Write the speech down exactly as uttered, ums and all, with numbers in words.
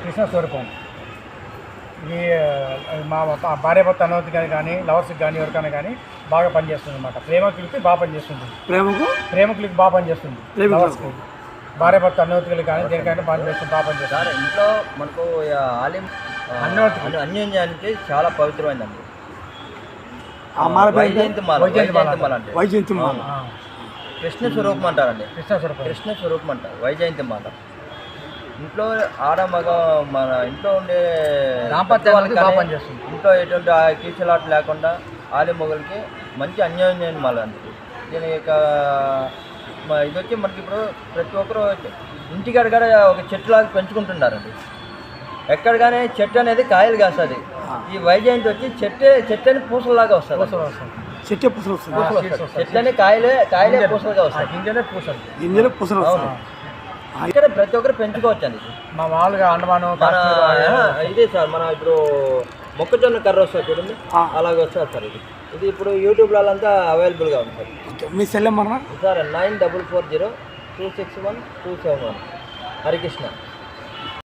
కృష్ణ స్వరూపం. ఇది మా భార్య భర్త అనుమతి కానీ కానీ లవర్స్కి కానీ ఎవరికైనా కానీ బాగా పనిచేస్తుంది అనమాట. ప్రేమికులకి బాగా పనిచేస్తుంది. ప్రేమకు ప్రేమికులకి బాగా పనిచేస్తుంది. లవర్స్కి భార్య భర్త అనుమతులు కానీ దేనికైనా పనిచేస్తుంది, బాగా పనిచేస్తుంది. సార్ ఇంట్లో మనకు ఆలిం అన్యోన్యతకి అన్యోన్యానికి చాలా పవిత్రమైందండి. వైజయంతి మాల వైజయంతి మాల అంటే వైజయంతి మాల కృష్ణ స్వరూపం అంటారండి. కృష్ణ స్వరూపం కృష్ణ స్వరూపం అంటారు వైజయంతి మాల. ఇంట్లో ఆడ మగ మన ఇంట్లో ఉండే దాంపత్యానికి బాగా పనిచేస్తుంది. ఇంట్లో ఎటువంటి కీచలాట లేకుండా ఆలి మొగలకి మంచి అన్యోన్యం మాల అండి. దీని యొక్క ఇది వచ్చి మనకి ఇప్పుడు ప్రతి ఒక్కరు ఇంటికాడ కూడా ఒక చెట్టులాగా పెంచుకుంటున్నారండి. ఎక్కడ కానీ చెట్టు అనేది కాయలు కాస్తుంది. ఈ వైజయంతి వచ్చి చెట్టే చెట్టు అని పూసలాగా వస్తుంది. చెట్టే పూసలు వస్తుంది. చెట్టు అని కాయలే కాయలే పూసలుగా వస్తాయి. గింజలే పూసలు గింజలు పూసలు వస్తాయి. ఇక్కడ ప్రతి ఒక్కరు పెంచుకోవచ్చు అండి. మా మామూలుగా అండమాను మన ఇదే సార్ మన ఇప్పుడు మొక్కజొన్న కర్ర వస్తుంది చూడండి, అలాగే వస్తుంది సార్. ఇది ఇది ఇప్పుడు యూట్యూబ్లో అంతా అవైలబుల్గా ఉంది సార్. మీ cell number sir nine double four zero two six one two seven one Harikrishna.